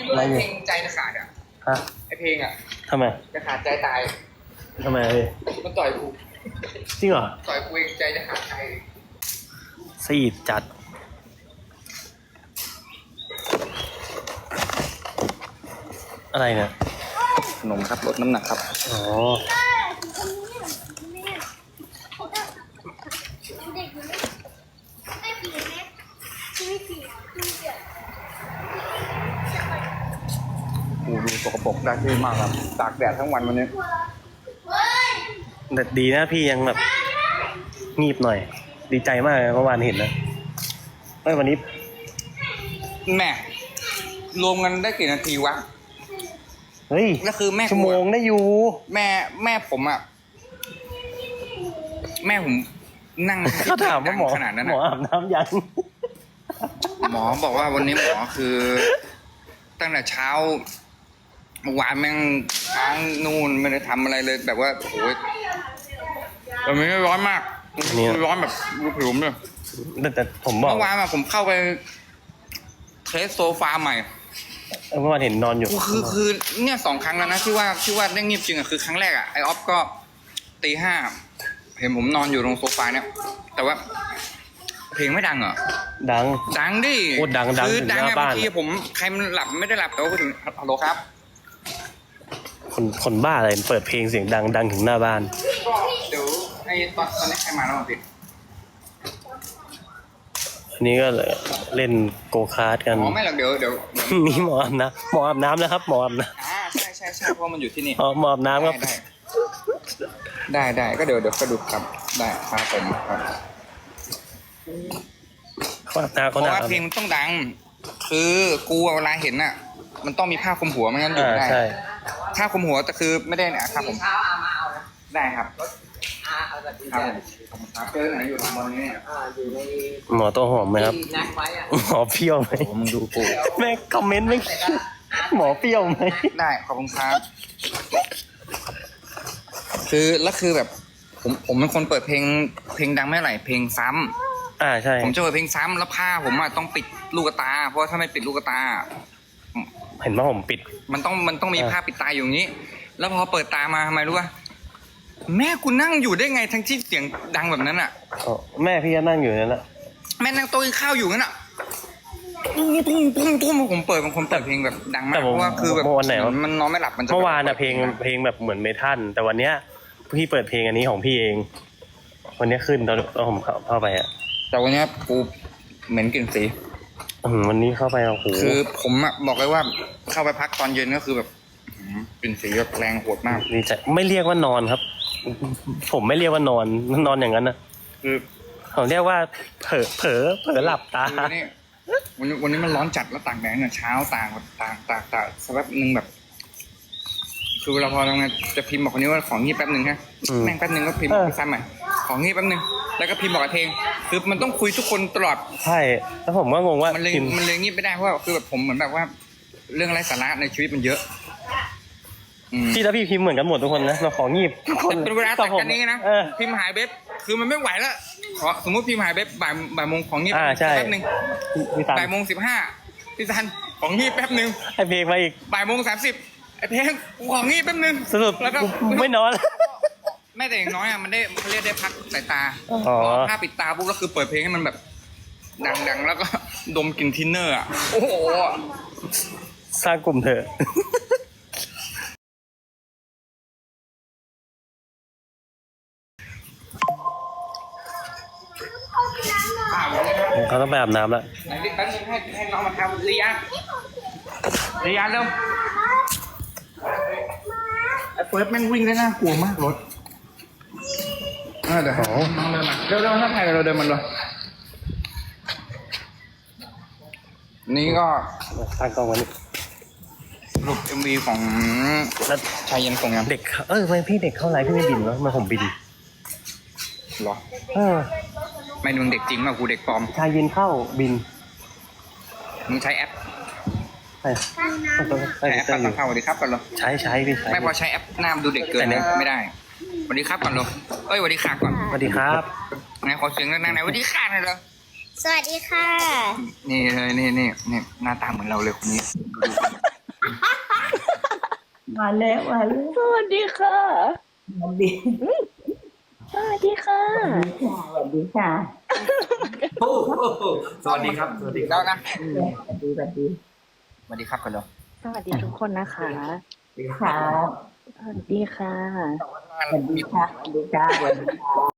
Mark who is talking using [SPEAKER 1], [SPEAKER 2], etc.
[SPEAKER 1] อะไรเพลงใจจะขาดอ่ะ
[SPEAKER 2] ฮะ
[SPEAKER 1] ไอเพลงอ่ะ
[SPEAKER 2] ทำไม
[SPEAKER 1] จะขาดใจตาย
[SPEAKER 2] ทำไม
[SPEAKER 1] มันต่อยกู
[SPEAKER 2] จริงเหรอ
[SPEAKER 1] ต่อยกูเองใจจะขาดใจ
[SPEAKER 2] ซีดจัดอะไรเนี่ย
[SPEAKER 1] ขนมครับลดน้ำหนักครับ
[SPEAKER 2] อ๋อ
[SPEAKER 1] ดูสกปรกได้ที่มากครับตากแดดทั้งวันวันนี้
[SPEAKER 2] แต่ดีนะพี่ยังแบบงีบหน่อยดีใจมากเมื่อวานเห็นนะวันนี้
[SPEAKER 1] แม่รวมกันได้กี่นาทีวะ
[SPEAKER 2] เฮ้ย
[SPEAKER 1] ก็คือแม่
[SPEAKER 2] ชั่วโมงได้อยู่
[SPEAKER 1] แม่ผมอ่ะแม่ผมนั่ง
[SPEAKER 2] เขาถามว่าหมอ
[SPEAKER 1] ขนาดนั้น
[SPEAKER 2] หมออาบน้ำยัง
[SPEAKER 1] หมอบอกว่าวันนี้หมอคือตั้งแต่เช้าเมื่อวานแม่งค้างนู่นไม่ได้ทำอะไรเลยแบบว่าโอ้ยแต่ไม่ร้อนมากร้อนแบบรูผิวเลย
[SPEAKER 2] แต่ผมบอก
[SPEAKER 1] เมื่อวานอะผมเข้าไปเทสโซฟาใหม่
[SPEAKER 2] เมื่อวานเห็นนอนอยู่
[SPEAKER 1] คือเนี่ย2 ครั้งแล้วนะที่ว่าได้เงียบจริงอะคือครั้งแรกอะไอออฟก็ตี 5เห็นผมนอนอยู่ตรงโซฟาเนี่ยแต่ว่าเพลงไม่ดังเหรอ
[SPEAKER 2] ดัง
[SPEAKER 1] ดิ
[SPEAKER 2] โคตรดัง
[SPEAKER 1] คือ
[SPEAKER 2] ถึงหน้าบ้าน
[SPEAKER 1] บางทีผมใครมันหลับไม่ได้หลับแต่ว่าถึงฮัลโหลครับ
[SPEAKER 2] คนบ้าอะไรเปิดเพลงเสียงดังถึงหน้าบ้าน
[SPEAKER 1] ก็เดี๋ยวไอ้ตอนนี้ใครมาแล้วพี่
[SPEAKER 2] อันนี้ก็เล่นโกคาร์ทกัน
[SPEAKER 1] ไม่หรอกเดี๋ยว
[SPEAKER 2] นี่หมออาบน้ำนะครับหมออาบน้
[SPEAKER 1] ำใช่เพราะมันอยู่ที่นี่
[SPEAKER 2] หมออาบน้ำครับ
[SPEAKER 1] ได้ก็เดี๋ยวก็ดูครับได้ครับผมครับเพราะว่าเพลงมันต้องดังคือกูเวลาเห็นน่ะมันต้องมีผ้าคลุมหัวไม่งั้นอยู่ไม่ได้ผ้าคลุมหัวแต่คือไม่ได้นะครับผมได้ครับครับเจอไหนอยู่ตรงบนนี้อยู่ใน
[SPEAKER 2] หมอตัวหอมไหมครับหมอเปรี้ยวไหม
[SPEAKER 1] มึงดูกู
[SPEAKER 2] แม่คอมเมนต์ไม่หมอเปรี้ยวไหม
[SPEAKER 1] ได้ขอบคุณครับคือแบบผมเป็นคนเปิดเพลงดังไม่ไหลเพลงซ้
[SPEAKER 2] ำใช่
[SPEAKER 1] ผมจะเปิดเพลงซ้ำแล้วผ้าผมต้องปิดลูกตาเพราะถ้าไม่ปิดลูกตา
[SPEAKER 2] เห็นว่าผมปิด
[SPEAKER 1] มันต้องมีผ้าปิดตาอยู่นี้แล้วพอเปิดตามาทำไมรู้ป่ะแม่กูนั่งอยู่ได้ไงทั้งที่เสียงดังแบบนั้นอ่ะ
[SPEAKER 2] แม่พี่ก็นั่งอยู่นั่นแหละ
[SPEAKER 1] แม่นั่งโต๊ะกินข้าวอยู่นั่นอ่ะตุ้มผมเปิดเป็นคนเปิดเพลงแบบดังมากเพราะว่าคือแบบมันนอนไม่หลับมัน
[SPEAKER 2] เมื่อวานอะเพลงแบบเหมือนเมทัลแต่วันเนี้ยพี่เปิดเพลงอันนี้ของพี่เองวันนี้ขึ้นตอนผมเข้าไปอะ
[SPEAKER 1] แต่วันนี้กูเหม็นกลิ่นสี
[SPEAKER 2] วันนี้เข้าไปโอ้โห
[SPEAKER 1] คือผมอะบอกเลยว่าเข้าไปพักตอนเย็นก็คือแบบกลิ่นสีแบบแรงโหดมาก
[SPEAKER 2] นี่จะไม่เรียกว่านอนครับผมไม่เรียกว่านอนอย่างนั้นนะ
[SPEAKER 1] คือ
[SPEAKER 2] ผมเรียกว่าเผลอหลับตา
[SPEAKER 1] วันนี้มันร้อนจัดแล้วตากแดดเนี่ยเช้าตากสักแป๊บนึงแบบคือเวลาพอทำงานจะพิมพ์บอกคนนี้ว่าของงีบแป๊บนึงฮะแม่งแป๊บนึงก็พิมพ์ซ้ำใหม่ของงีบแป๊บนึงแล้วก็พิมพ์บอกกับเพลงคือมันต้องคุยทุกคนตลอด
[SPEAKER 2] ใช่แล้วผมก็งงว่า
[SPEAKER 1] มันเลยงีบไม่ได้เพราะว่าคือแบบผมเหมือนแบบว่าเรื่องไร้สาระในชีวิตมันเยอะ
[SPEAKER 2] พี่แล้วพี่พิมพ์เหมือนกันหมดทุกคนนะเราของงีบ
[SPEAKER 1] เป็นเวลาตัดกันนี้นะพิมพ์หายเบ็บคือมันไม่ไหวแล้วขอสมมติพิมพ์หายเบ็บบ่ายโมงของงีบแป๊บนึงบ่ายโมง15พี่ซันของงีบแป๊บนึง
[SPEAKER 2] ไอเพลงมาอีก
[SPEAKER 1] บ่ายโมง30ไอเพลงของงีบแป๊บนึง
[SPEAKER 2] สรุปแล้วก็ไม่นอน
[SPEAKER 1] แม่แต่อย่างน้อยมันได้เขาเรียกได้พักสายตาถ้าปิดตาปุ๊บก็คือเปิดเพลงให้มันแบบดังแล้วก็ดมกลิ่นทินเนอร์อ่ะโอ้โห
[SPEAKER 2] สร้างกลุ่มเถอะเขาต้องไปอาบน้ำแล้ว
[SPEAKER 1] ไหนดิแป๊บนึงให้น้องมาทำเรียนเร็วไอ้เฟิร์สแม่งวิ่งได้น่ากลัวมากรถเดี๋ยวน้องเดินมาเร็วถ้าใครเราเดินมันเลยนี่ก็
[SPEAKER 2] ตั้งกล้องวันนี้
[SPEAKER 1] รูป MV ของชายเย็นส่งยัง
[SPEAKER 2] เด็กทำไมพี่เด็กเข้าไลฟ์พี่ไม่บินวะมาผมบิน
[SPEAKER 1] หรอไม่มึงเด็กจริงป่ะกูเด็กปลอม
[SPEAKER 2] ชายเย็นเข้าบิน
[SPEAKER 1] มึงใช้แอป
[SPEAKER 2] ใช่
[SPEAKER 1] แอปตั้งเข้าสวัสดีครับก่อนเลย
[SPEAKER 2] ใช้พี่ใช้
[SPEAKER 1] ไม่พอใช้แอปหน้าดูเด็กเกินไม่ได้สวัสดีครับก่อนเลยสวัสดีค่ะก่อน
[SPEAKER 2] สวัสดีครับ
[SPEAKER 1] ไหนขอเสียงนั่งไหนสวัสดีค่ะหน่อยเลย
[SPEAKER 3] สวัสดีค่ะ
[SPEAKER 1] นี่เลยนี่หน้าตาเหมือนเราเลยคนนี้
[SPEAKER 3] มาแล้วมาแล้ว
[SPEAKER 4] สวัสดีค่ะ
[SPEAKER 3] สวัสดี
[SPEAKER 4] สวัสดีค่ะ
[SPEAKER 3] สวัสดีค่ะ
[SPEAKER 5] โอ้โหสวัสดีครับ สวัสดีครั
[SPEAKER 1] แล้
[SPEAKER 5] บ
[SPEAKER 1] วนะ
[SPEAKER 3] สวัสดีสวัสดี
[SPEAKER 1] สวัสดีครับกันเนาะ
[SPEAKER 4] สวัสดีทุกคนนะคะ
[SPEAKER 3] ครับ
[SPEAKER 4] สวัสดีค่ะ
[SPEAKER 3] สวัสดีค่ะสวัสดีค่ะสวัสดีค่ะ